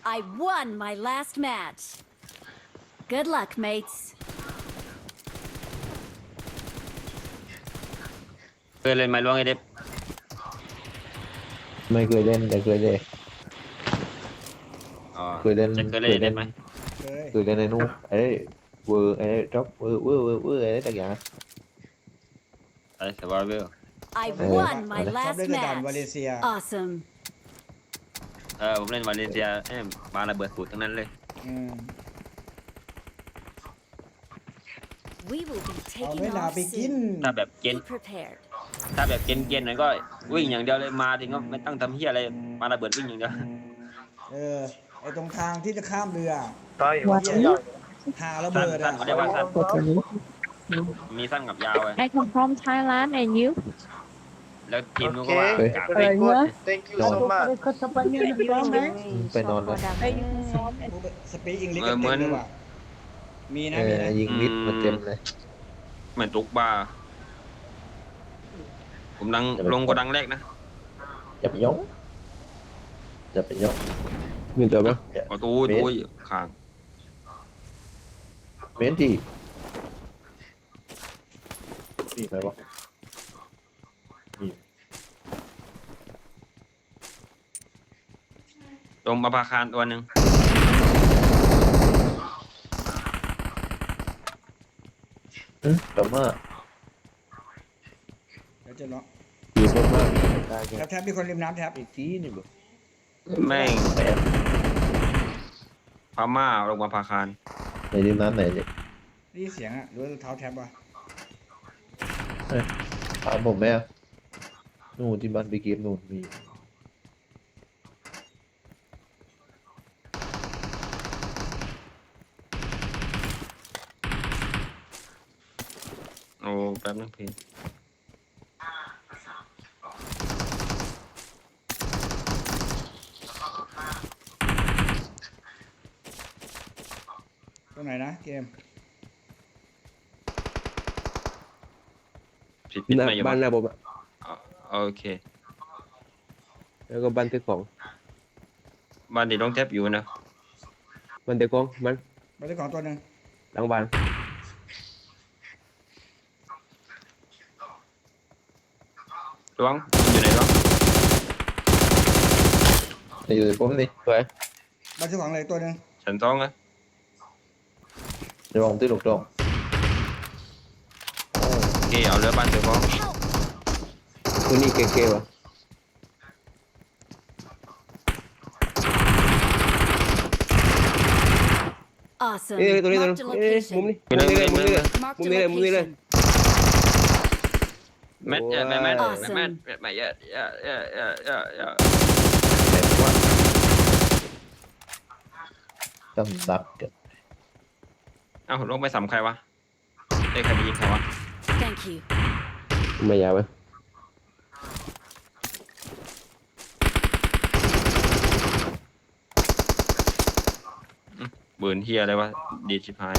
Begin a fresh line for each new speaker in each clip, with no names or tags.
I won my last match. Good luck, mates.
เคยเล่นไม้ล้วงไอเด็บ
ไม่เคยเล่นแต่เคยเล่น
อ๋อ
เคยเล่น
จะเคยเล่นไอเด็บไหม
เคย
เคยเล่นในนู้นไอ้เวอร์ไอ้จ็อบเวอร์ไอ้ต่างอย่าง
ไอ้สวาเวล
I
Oh.
won my
ชอบ
last
เล่นแต่ด่านวาเล
match.
เซีย
Awesome.
ผมเล่นวาเลนเซียมาระเบิดสูตรทั้งนั้นเลย
อืม
We will be
เอา
taking
เวลา
off
ไปกิน
soon.
ถ้าแบบเก
Be
ณฑ์
prepared.
ถ้าแบบเกณฑ์หน่อยก็วิ่งอย่างเดียวเลยมาถึงก็ไม่ต้องทำเฮียอะไรมาระเบิดวิ่งอย่างเดียว
ไอตรงทางที่จะข้ามเรือ
What?
หาระ
สั้
เบิ
น
ด
สั้
อ่ะ
นเขาเรียกว่าสั้น
What are you?
มีสั้นกับยาวไง
I come from Thailand and you?
แล้วทีมนู้นก็ว่า
Okay.
กาก
Very good.
Thank you
No.
so much.
ไปนอนแล้ว
Where you from?
สปีกอังกฤษกันเต็มเลยว่ะมีนะมีนะ
ยิงมิดมาเต็มเลย
เหมือนตุกบาร์ผมดังลงกดังแรกนะ
จะไปยกมีตัวปะ
ประตูตู้ข้าง
เมนที่มีไหมวะมี
ตรงประภาคารตัวหนึ่ง
แต่ว่า
เดี๋ยวจะเลาะ
อยู่บนมากได้แค่
แท็บมีคนริมน้ำแท็บ
อีกทีนี่บ่
แม่ง
แปด
พม่าลงประภาคาร
ในริมน้ำไหนเนี่ย
ได้ยินเสียงอ่ะหรือว่าเท้าแท็บวะ
ถามผมไหมอะนู่นที่บ้านไปเก็บนู่นมี
โอ้แป๊บนึงพี่
ตรงไหนนะเกม
ปิดไม่อยู่
บ้านหน้าผมอะ
โอเค
แล้วก็บ้านเต็กของ
บ้านที่ต้องแทบอยู่นะ
บ้านเต็กของมัน
ไปเจ้าของตัวหนึ่ง
หลังบ้าน
ล้วงอยู่ไหนล้วง
ในอยู่ในผมนี่
สวย
ไปเจ้าของเลยตัวหนึ่ง
ชั้นสองอะ
จะมองที่ลูกดอง
โอเคเอาเรือบ้านเสือฟ้อง
ตัวนี้เก๋ๆว่ะ
Awesome.
ตัวนี้
Marked a
มุม
location.
นี้
ไปเลย
มุมนี้เลย
Marked a
มุมนี้เลยมุมนี้เลย
location.
แมทแมทแมท
Awesome.
แมทแมทเยอะเยอะเยอะเยอะเยอะเยอะ
ตำดักกัน
เอ้าลงไปสำใครวะได้ใครไปยิงใครวะ
Thank you.
ไม่ยาวไหม
เบิร์นเฮียอะไรวะดีชิพาย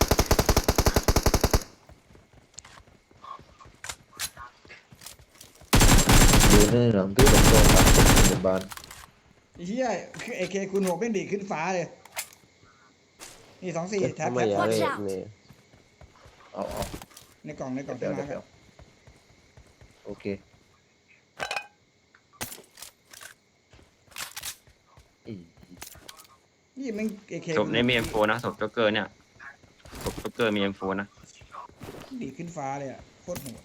อยู่ในหลังที่ลูกดองครับในบ้าน
ไอ้เหี้ยคือAKคูณ6แม่งดีดขึ้นฟ้าเลยนี่24แท็บ
ไม่
แท็บ
ยาวเลย
Watch out
นี่
เอา
ในกล่องในกล่อง
เดี๋
เต็
ยว
ม
เดี๋
มา
ยว
ครับ
โอเคอี
นี่แม่ง AK
ศพในมีเอ็มโฟนะศพจ็อกเกอร์เนี่ยศพจ็อกเกอร์มีเอ็มโฟนะ
ดีดขึ้นฟ้าเลยอ่ะโคตรโหด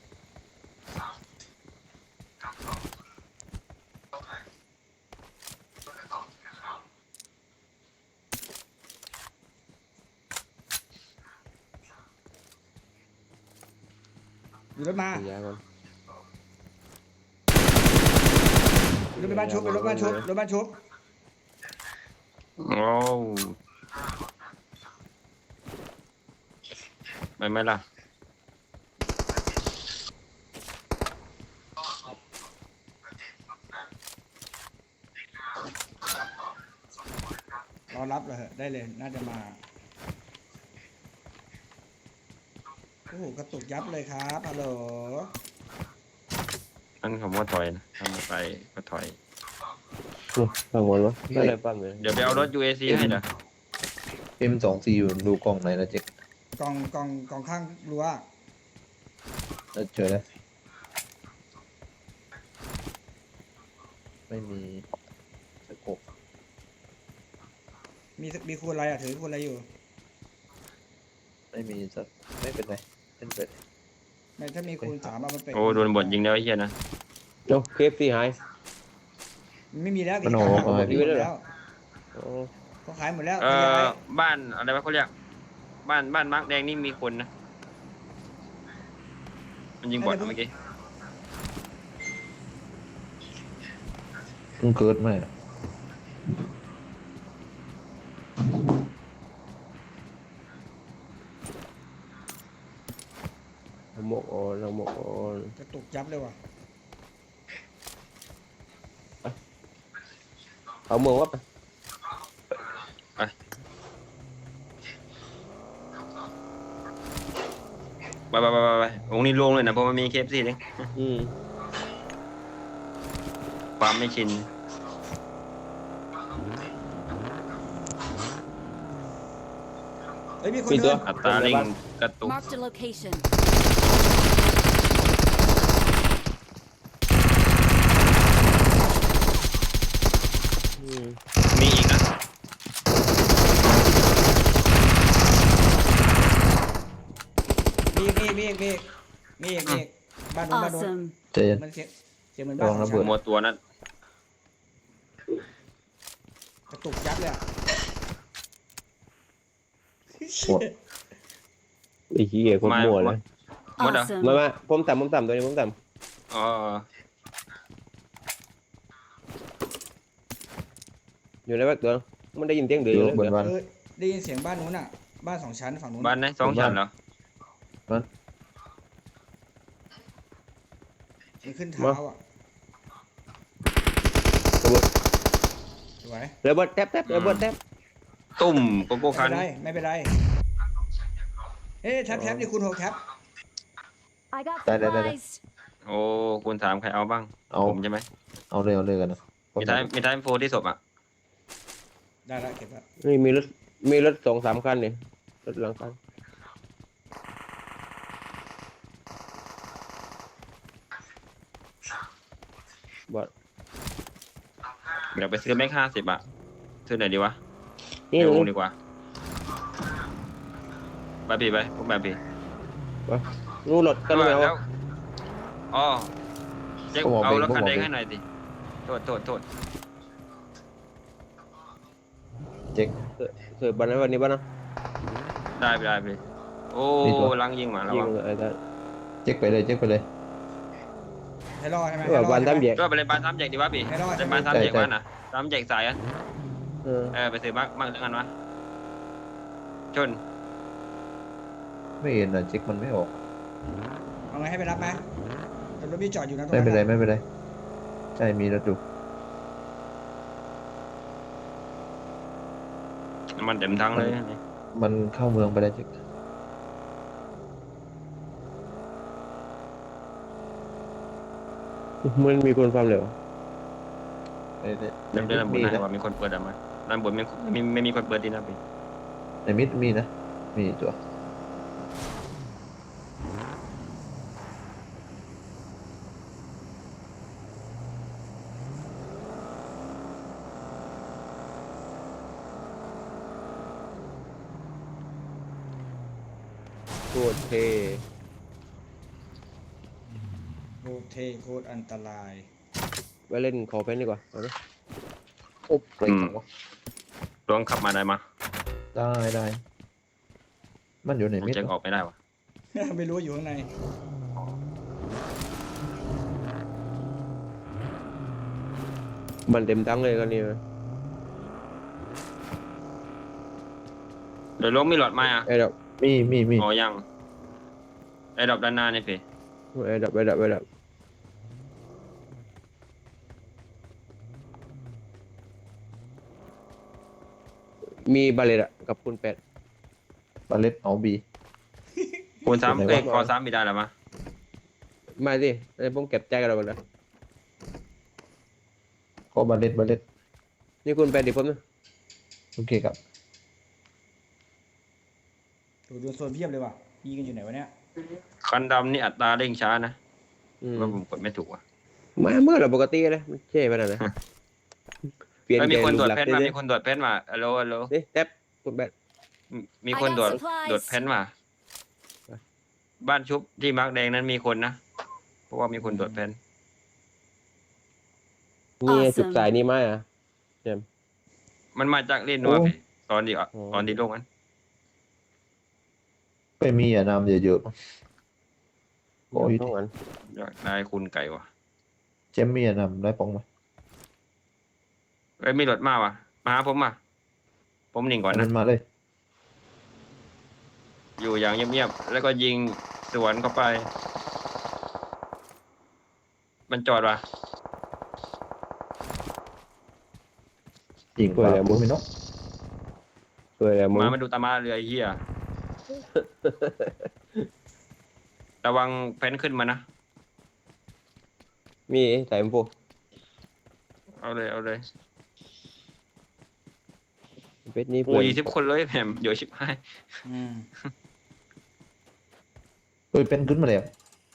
อยู่รถมา
ยาวก่อน
รถไปบ้านชุบรถบ้านชุบรถบ้านชุบ
โอ้ไม่ไม่ล่ะ
รอรับเลยเหอะได้เลยน่าจะมาโอ้โหกระตุกยับเลยครับฮัลโหล
นั่นคำว่าถอยนะทำไปก็ถอย
ฟังหมดวะไม่ได้ฟังเลย
เดี๋ยวไปเอารถ UAC ให้เด้อ
M24อยู่ดูกล้องไหนนะเจ๊ก
กล่องข้างรั้ว
แล้วเจอแล้วไม่มีสโคป
มีคูณอะไรถือคูณอะไรอยู่
ไม่มีสักไม่เป็นไรเป็นไป
ไม่ถ้ามีคูณ3เอามันไป
โอ้โดนบดยิงแล้วไอ้เหี้ยนะ
โอ้เคฟซีหาย
ไม่มีแล้ว
มันออกมา
มีหมดแล้ว
โอ้
เขาขายหมดแล้ว
บ้านอะไรวะเขาเรียกบ้านมาร์กแดงนี่มีคนนะมันยิงบอดเมื่อกี้
เพิ่งเกิดมา
ละหมกอ่อนละหมกอ่อน
กระตุกยับเลยว่ะ
เอาเมืองวัดไป
ไปองค์นี้ลงเลยนะเพราะมันมีเคฟซีเลย
อืม
ความไม่ชิน
เฮ้ยมีคน
มี
เดิ
ตัวน
อัตราเร่งกระตุก
Marked a location.
อืม
มีอีกนะ
มีอีกบ้านนู้น
Awesome.
เจน
มันเสียเหมือนบ้าน
ลองระเบิด
หมดตัวนั้น
กระตุกยับเลยอะ
หมด
ไอ้ขี้เกียจคนมั่วเลย
หมดเหรอ
Awesome.
มาผมต่ำตัวนี้ผมต่
อ๋อ
ำอยู่ในแบ็คตัวมันได้ยินเสียงเดือด
อยู่
เลย
บนวัน
ได้ยินเสียงบ้านนู้นอ่ะบ้าน2 ชั้นฝั่งนู้น
บ้านไหน2 ชั้นเหรอ
มันขึ้นเท้าอ่ะสวย
เรือเบิร์ดแทบเรือเบิร์ดแทบ
ตุ่มโกโก้คัน
ไม่เป็นไรเฮ้ยแท็บนี่คูณ6แท็บ
I got
Đây, đây, đây, đây.
supplies.
โอ้คุณถามใครเอาบ้าง
เอา
ผมใช่ไหม
เอาเลยกันนะ
มีท้ายโฟที่ศพอ่ะ
ได้แล้วเก็บแล้ว
นี่มีรถ2-3คันนี่รถหลังคันบอด
เดี๋ยวไปซื้อแม็ก50อ่ะซื้อไหนดีวะ
นี่
เดี๋ยว
นี่
ดีกว่าไปพี่ไปพวกแบบพี่
นู่นรถกันแล้ว
แล้วอ๋อเจ๊กเอารถคันแดงให้หน่อยดิโทษ
เจ๊ก
เสือบันวันนี้บ้านนะ
ได้ไปโอ้ลังยิงมาแล้ว
ยิง
วะ
ไอ้ท่าน
เจ๊กไปเลยเจ๊กไปเลย
ให้รอดใช่ไหม
ว่าวันทำแยก
ก็ไปเลยบ้าน3 แยกดีวะพี่
ให้รอด
ไป
ใช่ไหม
บ้าน3 แยกบ้านน่ะ3 แยกสายอ่ะ
เออ
ไปซื้อบ้างกันวะชน
ไม่เห็นนะเจ๊กมันไม่ออก
เอาไงให้ไปรับไหมแต่รถพี่จอดอยู่นะตรง
ไม่
นั้น
เป็นไรไม่เป็นไรใช่มีรถดู
มันเต็มทั้งเลย
มันเข้าเมืองไปแล้วเจ๊ก
มันมีคนความเร็ว
ใน
เดินด้านบน
มี
นะ
นะ
ว่ามีคนเปิดอ่ะมาด้านบนไม่มีคนเปิดดีนะพี่
ในมิดมีนะมีตัว
โคตรเท
โคตรเทโคตรอันตราย
ไปเล่นขอเพนดีกว่าเอาไหม
โอ้เปล่งวะ
ลองขับมาได้มา
ได้มันอยู่ในมิด
จะออกไม่ได้วะ
ไม่รู้อยู่ข้างใน
มันเต็มทั้งเลยกันนี่
เดี๋ยวลงมีหลอดไม้อ่ะ
ไอ้ดับ
มี
อ๋อยังไอ้ดอกด้านหน้านี่พี่
ไอ้ดับมีบาเลตอะกับคุณ8
บาเลตเอาบี
คูณ3
ไหนวะ
คอ3มีได้หรอมะ
มาสิไอ้ผมเก็บใจกันแล้วหมดแล้ว
ก็บาเลต
นี่คุณไปดิผมนะ
โอเคครับ
ดูโซนเพียบเลยว่ะยิงกันอยู่ไหนวะเนี่ย
คันดำนี่อัตราเร่งช้านะ
อืม
ว่าผมกดไม่ถูกอ่ะ
มาเมื่อเราปกติเลยมันเช่ไปนั่นนะเปลี่ยน
เอ้ย
ใจ
มีคน
รู
ตรวจ
ปลัก
เพ
ษ
ช
ณ์
รมา
ดิ
มีคนตรวจเพชรมาฮัลโหลฮัลโหล
นี่แท็บคุณแบท
มีคนตรวจ
supplies
ตรวจเพชรมา บ้านชุบที่มาร์กแดงนั้นมีคนนะ เพราะว่ามีคนตรวจเพชร
นี่
Awesome
จุดสายนี่ไหมอ่ะ
มันมาจากเล่นนัวพี่ตอนที่อ่ะ
อ๋อ
ตอนที่ลงนั้น
ไปมีอย่านำเยอะๆมั้ง โอ้ย
ต้องงั้น
อยากได้คุณไก่วะ
เจมมีอย่านำได้ปองไหม
เอ้ยมีรถมาวะมาหาผมมาผมหนิ่งก่อน
มั
นะ
นมาเลย
อยู่อย่างเงียบๆแล้วก็ยิงสวนเข้าไป มันจอดวะ
ยิงปลาปุ๊บไม่นก
เปิดแล้วมึง
มาดูตามาเรือไอ้เฮียระวังแฟนขึ้นมานะ
มีสายมพู
เอาเลยเอาเลย
เป็ดนี่
โอ้
เปิด
ย10 คนเลยแหมเดี๋ยวชิบหาย
อืม
เฮ้ยเป็นขึ้นมาแล้ว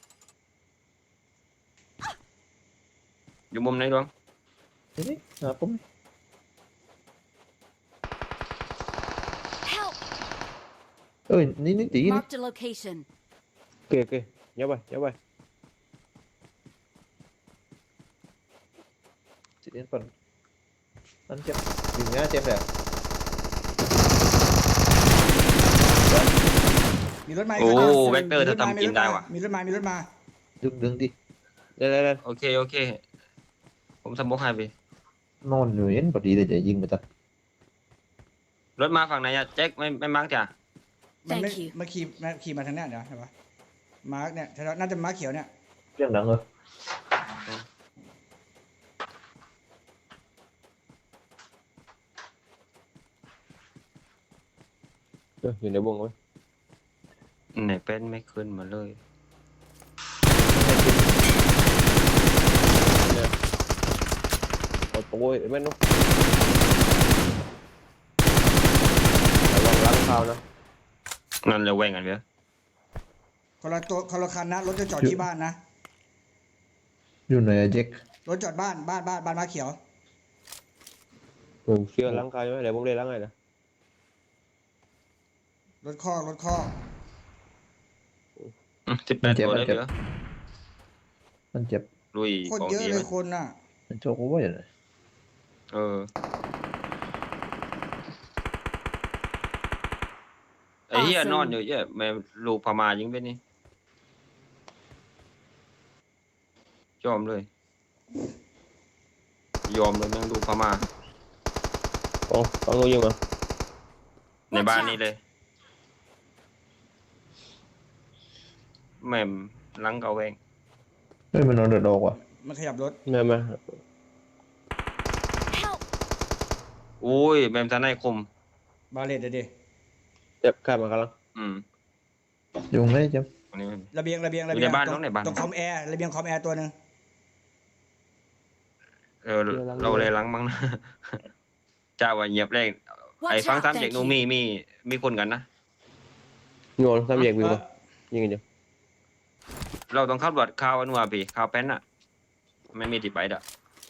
อยู่มุมไหนดวง
นี่ผม
Help!
เอ้ยนี่ตีนี่
Marked a location.
โอเคโอเคเดี๋ยวไปเดี๋ยวไป
ตีนี่ก่อนนั่นเจ็บยิงง่ายเจ็บแล้ว
มีรถมา
โอ้
คันหนึ่ง
เวกเตอร์ถ้าทำกินได้วะ
มีรถมา
ดึงดิ
เดี๋ยว
โอเคโอเค ผมสมมุติให้ไป
นอนอยู่เห็นพอดีเลยจะยิงไปตัด
รถมาฝั่งไหนอะแจ็คไม่มาร์กจ้ะ
มันไม่
Thank you
มาขี่มาทางเนี้ยเดี๋ยวเห็นปะมาร์กเนี่ยน่าจะมาร์กเขียวเนี่ย
เรื่องดังเลย
อยู่ในวงไว้
ไหนเป็นไม่ขึ้นมาเลย
โอ้ยแม่นนุ๊กระวังล้างเท้านะ
นั่นเราแว่งกันเว้ย
คนละคันนะรถจะจอดที่บ้านนะ
อยู่ไหนอะเจ็ค
รถจอดบ้านมาร์กเขียว
ผมเชื่อล้างเท้าใช่ไหมเดี๋ยวผมเลยล้างให้นะ
รถข้อ
18 ตัวเลยเดี๋ยว
มันเจ็บ
ลุย
โคต
ข
ร
อง
เยอะ
ดี
เล
ไหม
ยคนน่ะ
มันโชคว่าอย่างไร
เออไอ้เหี้ย
Awesome
นอนอยู่เหี้ยแม่ลูกพม่ายิงไปนี่ยอมเลย ยอมเลยแม่งลูกพม่า
ต้องรู้ยังไง
ในบ้านนี้เลย แม่มหลังเกาแวง
เฮ้ยมันนอนเดือดดอกว่ะ
มันขยับรถ
มา
Help!
อุ้ยแม่มทนายคม
บาเลตเดี๋ยวดิ
เจ็บข้ามมากำลัง
อืม
ยุงเลยเจ็บ
อันนี้
ระเบียง
อยู่ในบ้านน้องในบ้าน
ตรงคอมแอร์ระเบียงคอมแอร์ตัวหนึ่ง
เออเราเลยหลังมั้งนะ จ้าว่าเหยียบแรกไอ้
Watch
ฟัง
out!
ซ้ำเด็ก
Thank
หนู
you.
มีคนกันนะ
งอนซ้ำแยกวิวป่ะยิงกันอยู่
เราต้องขับรถข่าวอันว่าพี่ข่าวแป้นอะไม่มีติดไปดะ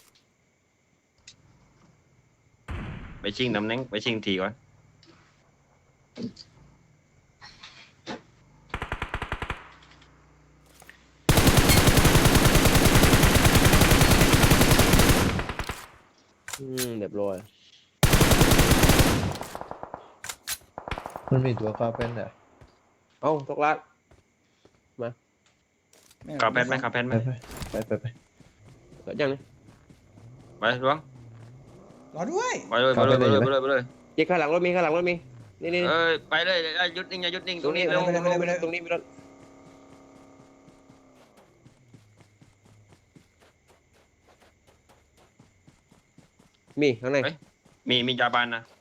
ไปชิงตำแหน่งไปชิงทีก่อน
เรียบร้อย
มันมีตัวคาเป็นอ่ะ
เอ้าตกลาด
ข่าวแป้นไหมข่าวแป้นไหม
ไป
ก็ยังนี่
ไปล้วง
รอด้วย
ไปเลย
เจ๊ข้างหลังรถมีนี่
เอ้ยไปเลยหยุดนิ่งอย่าหยุดนิ่งตรงนี้เร็ว
ตรงนี้มีรถมีข้างใน
มียาบานนะ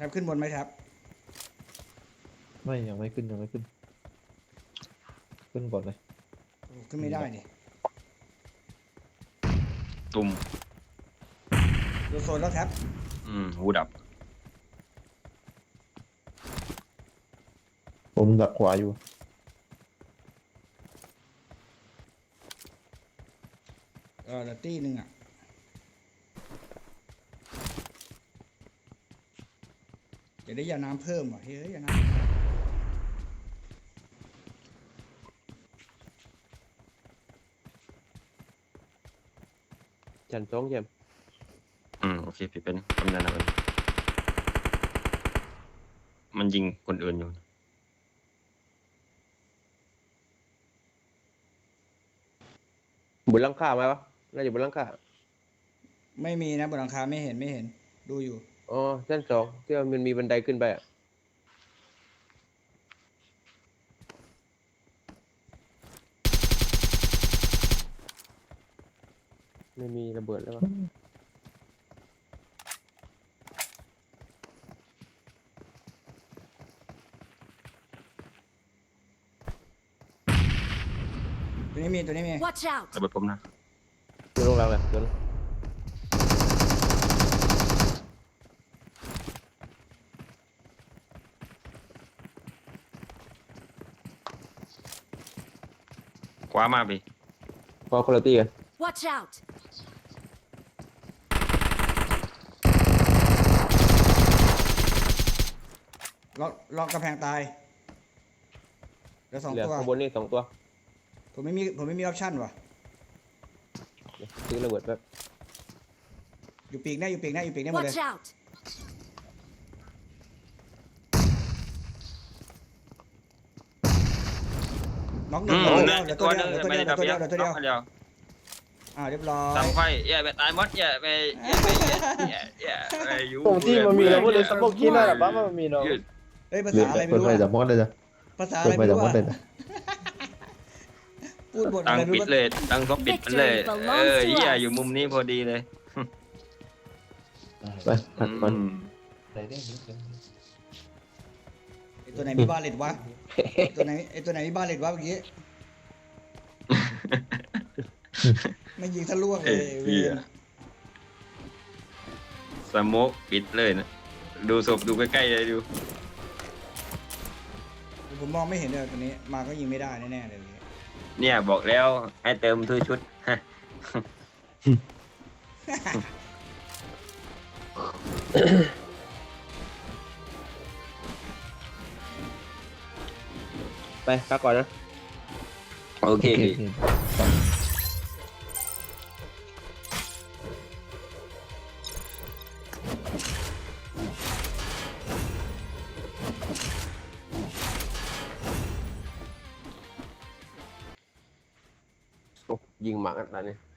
บขึ้นบนไหมครับ
ไม่ยังไม่ขึ้นยังไม่ขึ้น ขึ้นก่อนเลย
โอ้ขึ้นไม่ได้นี่
ตุ่ม
โดนโซนแล้วครับ
หูดับ
ผมดักขวาอยู่
เดี๋ยวตีหนึ่งอ่ะ เดี๋ยวได้ยาน้ำเพิ่มว่ะเฮ้ยยาน้ำ
ชั้นสองเยี่ยม
โอเคผิดเป็นคำนั้นนะมันยิงคนอื่นอยู่
บนหลังคาไหมวะน่าจะบนหลังคา
ไม่มีนะบนหลังคาไม่เห็นดูอยู่
อ๋อชั้นสองที่ว่ามันมีบันไดขึ้นไปอะไม่มีระเบิดแล้ววะ
ตัวนี้มี
Watch out!
ระเบิดผมนะ
ตัวลงหลังเลยตัวนึง
ขวามาพี่
พอคุณภาพกัน
Watch out!
ล็อกกำแพงตายเหลือสอง
เหลือ
ตัว
ข้างบนนี่2 ตัว
ผมไม่มีออปชั่นว่ะ
เดี๋ยวซื้อระเบิดแป๊บ
อยู่ปีกหน้าหมดเลย
Watch out!
น็อกหนึ่ง
เหลือตัวนึงไม่ได้ดับเดียว
เหลือตัวเดียว
เดียว
เรียบร้อย
ทำไฟไปตายมดไปอยู่
ผมที่มันมีแล้วก็เลยสมองกินได้หรอปะมันมีเนาะ
ยืด
เฮ้ยภา
เปิ
ษาอะไรไม่
ด
รู้
ไฟจับ
อะ
มอดเลยจ้ะ
ภาษาอะ
เปิ
ไร
ดไฟ
ไม่
จับ
รู้
มอดเลย
อะ
นะ
พูดบท
ตั้
อะ
ง
ไรไม่
ปิด
รู้
เลยตั้งท็อปปิดมันเลยอยู่มุมนี้พอดีเลย
ไปผัดมัน
ไอ้ตัวไหนมีบาเลตวะตัวไหนมีบาเลตวะเมื่อกี้ไม่ยิงทะลวงเลยเวียน
สโมกปิดเลยนะดูศพดูใกล้ๆเลยดู
ผมมองไม่เห็นเลยตัวนี้มาก็ยิงไม่ได้แน่ๆเลย
เนี่ยบอกแล้วให้เติมทุกชุด
ไปพักก่อนนะ
โอเค
โอเค
โอ้ยิงหมากันตอนนี้